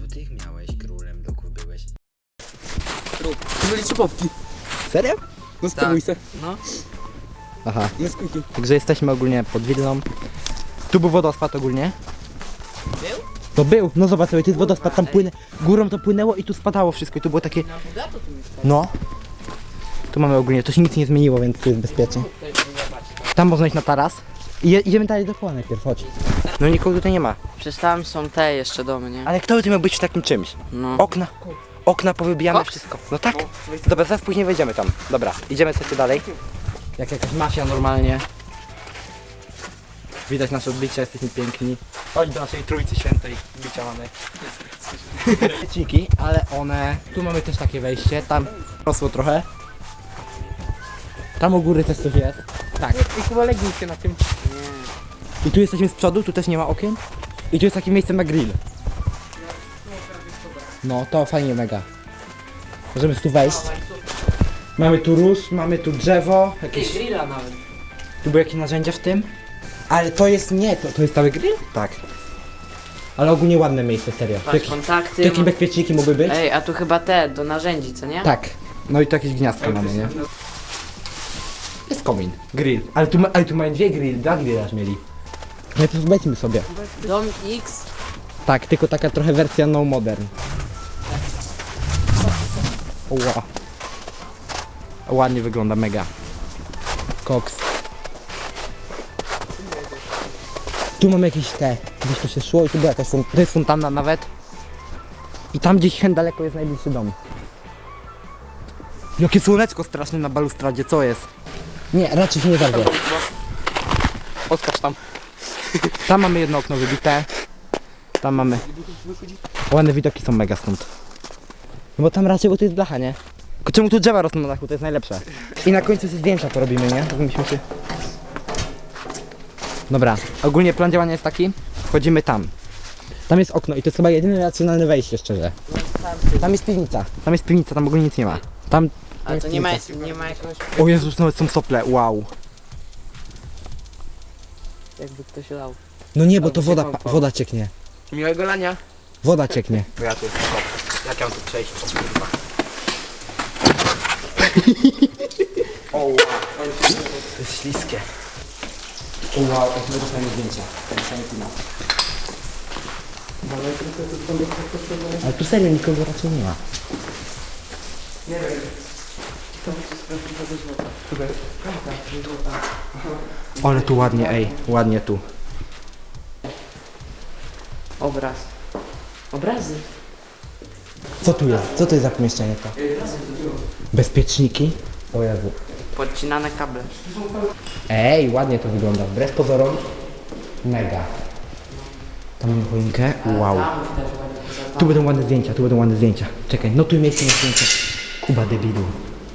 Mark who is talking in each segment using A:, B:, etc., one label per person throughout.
A: To ty miałeś królem bloków byłeś.
B: To byli trzy popki.
C: Serio?
B: No spróbuj se.
A: No.
C: Aha.
B: No skójki.
C: Także jesteśmy ogólnie pod Wilną. Tu był wodospad ogólnie.
A: Był?
C: To był, no zobacz sobie, to jest wodospad, tam płynę, górą to płynęło i tu spadało wszystko i tu było takie...
A: Na bogato tu mieszkasz.
C: No. Tu mamy ogólnie, to się nic nie zmieniło, więc tu jest bezpiecznie. Tam można iść na taras. I idziemy dalej do koła najpierw, chodź. No nikogo tutaj nie ma.
A: Przecież tam są te jeszcze domy, nie?
C: Ale kto by tu miał być w takim czymś?
A: No.
C: Okna powybijane,
A: Koks?
C: wszystko. No tak. Dobra, zaraz później wejdziemy tam. Dobra, idziemy sobie dalej. Jak jakaś mafia normalnie. Widać nasze odbicia, jesteśmy piękni. Chodź do naszej Trójcy Świętej, bicia mamy. Świeciki, ale one... Tu mamy też takie wejście, tam rosło trochę. Tam u góry też coś jest. Tak.
B: I chyba legnij się na tym.
C: I tu jesteśmy z przodu, tu też nie ma okien. I tu jest takie miejsce na grill. No, to fajnie mega. Możemy tu wejść. Mamy tu róż, mamy tu drzewo, jakieś...
A: grilla nawet.
C: Tu były jakieś narzędzia w tym? Ale to jest nie, to jest cały grill? Tak. Ale ogólnie ładne miejsce, serio. Tu
A: Patrz,
C: jakieś,
A: kontakty.
C: tu jakieś bezpieczniki mogły być?
A: Ej, a tu chyba te, do narzędzi, co nie?
C: Tak. No i tu jakieś gniazdko mamy, nie? Jest komin. Grill. Ale tu mają dwa grille aż mieli. No to zobaczmy sobie.
A: Dom X.
C: Tak, tylko taka trochę wersja no modern. Ła. Ładnie wygląda, mega. Koks. Tu mamy jakieś te, gdzieś to się szło i tu była jakaś to jest fontanna nawet. I tam gdzieś hen daleko jest najbliższy dom. Jakie słoneczko straszne na balustradzie, co jest? Nie, raczej się nie zarwie.
B: Odskacz tam.
C: Tam mamy jedno okno wybite. Tam mamy. Ładne widoki są mega stąd. No bo tam raczej, bo to jest blacha, nie? Tylko czemu tu drzewa rosną na dachu, to jest najlepsze. I na końcu sobie zdjęcia porobimy, nie? Tak myśmy się... Dobra, ogólnie plan działania jest taki. Wchodzimy tam. Tam jest okno i to jest chyba jedyne racjonalne wejście, szczerze. Tam jest piwnica. Tam ogólnie nic nie ma. Tam...
A: A to nie ma jakiegoś...
C: O Jezus, nawet są sople, wow.
A: Jakby ktoś lał.
C: No nie, bo
B: Albo
C: to
B: się
C: woda,
B: kąpał.
C: woda cieknie.
B: Miłego lania.
C: Woda cieknie.
B: Bo ja tu jestem kop. Jak ja mam tu przejść? O kurwa. O wow.
C: To jest śliskie. O wow, jak my dostajemy zdjęcia. Ale tu serio nikogo raczej nie ma.
B: Nie wiem.
C: Ale tu ładnie, ej, ładnie tu.
A: Obraz. Obrazy.
C: Co tu jest? Co to jest za pomieszczenie to? Bezpieczniki? O Jezu.
A: Podcinane kable.
C: Ej, ładnie to wygląda. Wbrew pozorom, mega. Tam mamy choinkę, wow. Tu będą ładne zdjęcia, Czekaj, no tu miejsce na zdjęcia. Kuba debilu.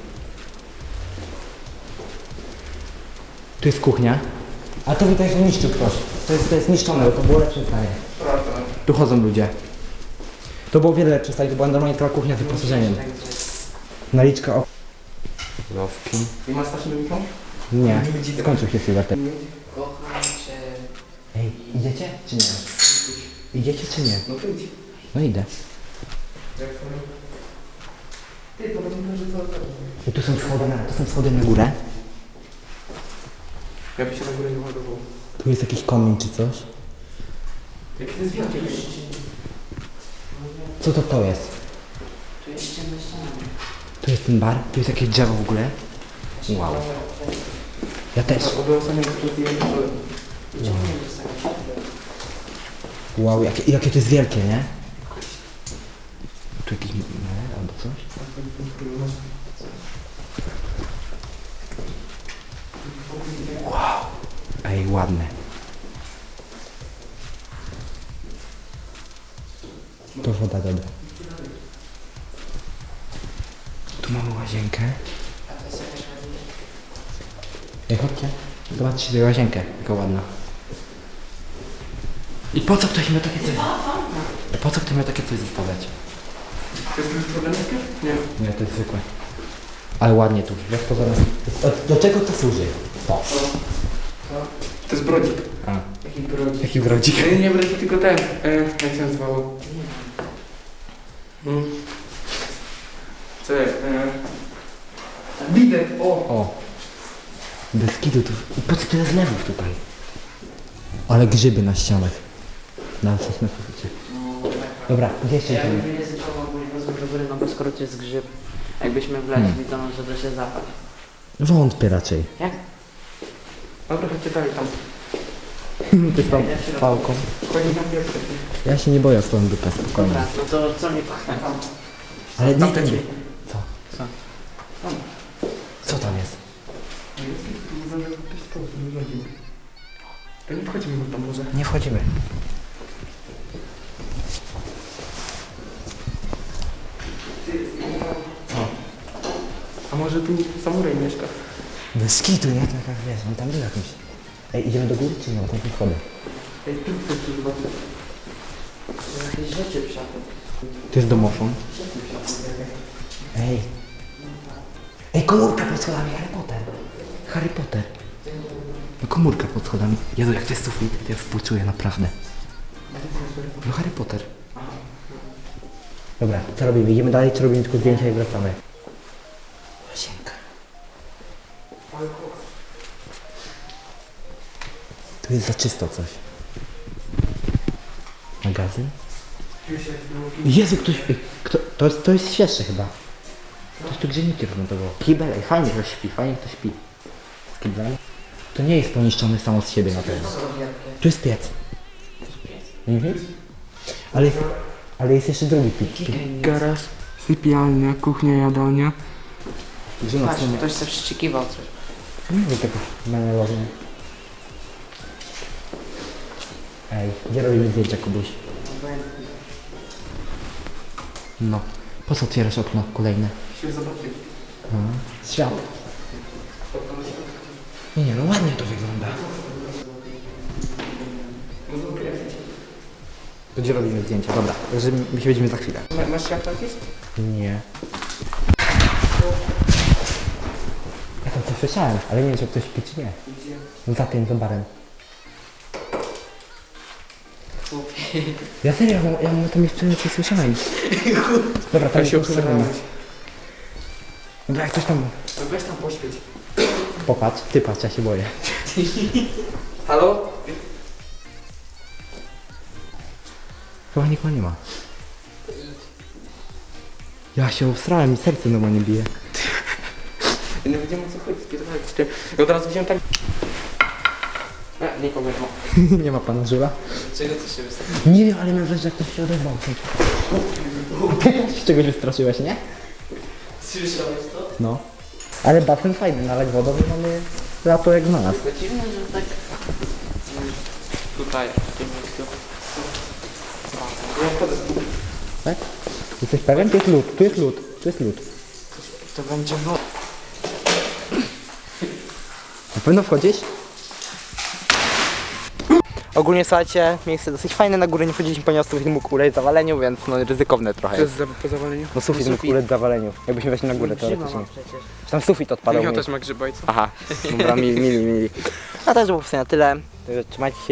C: Tu jest kuchnia. A to widać, że niszczył ktoś. To jest niszczone, bo to było lepsze stanie. Tu chodzą ludzie. To było wiele lepsze stanie, to była normalnie cała kuchnia z wyposażeniem. Naliczka o... Lowki.
B: I masz taśmę mikrofon?
C: Nie, skończył się Sylwester.
A: Kocham cię.
C: Ej, idziecie czy nie? Idziecie czy nie?
B: No to idź.
C: No idę.
B: Jak to? Ty, to będzie może co?
C: I tu są schody na górę.
B: Ja by się na górę nie ładował.
C: Tu jest jakiś komin czy coś.
B: Jaki to jest wielki?
C: Co to jest?
A: Tu jest ciemne ściany.
C: Tu jest ten bar, tu jest jakieś drzewo w ogóle. Wow. Ja też.
B: Obyło samego tu zdjęcia.
C: Wow, jakie to jest wielkie, nie? Tu jakiś albo coś? Wow. Ej, ładne. To woda dobra. Tu mamy łazienkę. Ej, chodźcie. Zobaczcie sobie łazienkę, jaka ładna. I po co ktoś miał takie coś? Po co ktoś miał takie coś zostawiać?
B: To jest problematyczne? Nie.
C: Nie, to jest zwykłe. Ale ładnie tu, wbrew pozorom. Do czego to służy? O.
B: To jest brodzik.
C: A,
A: Jaki brodzik.
C: jaki brodzik.
B: Nie brodzik, tylko ten. Jak się nazywało? Co jest? Widek, o!
C: O. Bez kitu tu. I po co tyle zlewów tutaj? Ale grzyby na ścianach. Na coś na suficie. Dobra, gdzie jeszcze
A: Ja
C: idziemy?
A: bym nie ryzykował ogólnie do góry, no bo skoro to jest grzyb, jakbyśmy wleźli, to może da się zapać.
C: Wątpię raczej.
A: Jak?
B: Dobra, chodźcie dalej tam.
C: Ty z tą pałką.
B: Chodź na pierwszy.
C: Ja się nie boję o swoją dupę, spokojnie.
A: Dobra, no to co mnie pachnie?
C: Ale nie
B: Tamte
C: ten...
B: drzwi.
C: Co?
A: Co?
C: Co tam jest?
B: To nie wchodzimy tam może.
C: Nie wchodzimy.
B: A może tu samuraj mieszka?
C: Bez kitu, nie? Tak jak wiesz, on tam był jakimś. Ej, idziemy do góry czy nie? Tam tu schody.
B: Ej, tu chcesz tu zobaczyć.
A: Jakieś rzeczy w szafie.
C: To jest domofon. Ej. Ej, komórka pod schodami, Harry Potter. Harry Potter. No komórka pod schodami. Jezu, jak to jest sufit, to ja współczuję, naprawdę. No Harry Potter. Dobra, co robimy? Idziemy dalej, czy robimy tylko zdjęcia i wracamy? Łazienka. Tu jest za czysto coś. Magazyn? Jezu, ktoś... To jest świeższe chyba. Ktoś tu grzejniki rozmontował. Kibel, ej, fajnie ktoś śpi, fajnie ktoś śpi. Z kiblem. To nie jest poniszczony samo z siebie na pewno. Tu jest piec. Mhm. Ale jest jeszcze drugi piec.
B: Garaż, sypialnia, kuchnia, jadalnia.
C: Gdzie na
A: Patrz,
C: stronie?
A: ktoś się przyczekiwał coś.
C: Nie wiem tego menelownie. Ej, gdzie robimy zdjęcia, Kubuś? No. Po co otwierasz okno kolejne?
B: Się zobaczyć.
C: Świat. Nie, no ładnie to wygląda. To gdzie robimy zdjęcia? Dobra, że my się widzimy za chwilę.
B: Masz światło jakieś?
C: Nie. Ja tam coś słyszałem, ale nie wiem, czy ktoś śpi, czy nie.
B: Gdzie?
C: No za tym, za barem. Ja serio, ja tam jeszcze coś słyszałem. Dobra, tam
B: Ja się
C: jest
B: obserwowałeś.
C: Dobra, jak ktoś tam...
B: No weź tam poświeć.
C: Popatrz, ty patrz, ja się boję.
B: Halo?
C: Chyba nikogo nie ma. Ja się obstrałem i serce normalnie bije.
B: Ja nie wiedziałem o co chodzi, spierdolać. Ja od razu wziąłem tak... Nikogo nie ma.
C: Nie ma pana Żula?
A: Czego ty się wystawił?
C: Nie wiem, ale mam wrażenie, że ktoś się odezwał. Z czegoś wystraszyłeś, nie?
A: Słyszałeś to?
C: No. Ale basen fajny, nalać wodą i mamy lato jak znalazł.
A: To dziwne, że tak... Tutaj, w tym miejscu.
B: Ja wchodzę.
C: Tak? Jesteś pewien? Tu jest lód, tu jest lód, tu jest lód.
A: To będzie woda.
C: Na pewno wchodzisz? Ogólnie słuchajcie, miejsce dosyć fajne, na górę nie wchodziliśmy, ponieważ sufit mógł ulec zawaleniu, więc no ryzykowne trochę
B: To
C: jest.
B: jest po zawaleniu?
C: No sufit mógł ulec zawaleniu, jakbyśmy weszli na górę teoretycznie.
A: przecież.
C: Tam sufit odpadał.
B: Ja
C: mi.
B: też ma grzybajca.
C: Aha, dobra, mili. A też było w sumie na tyle. Także trzymajcie się.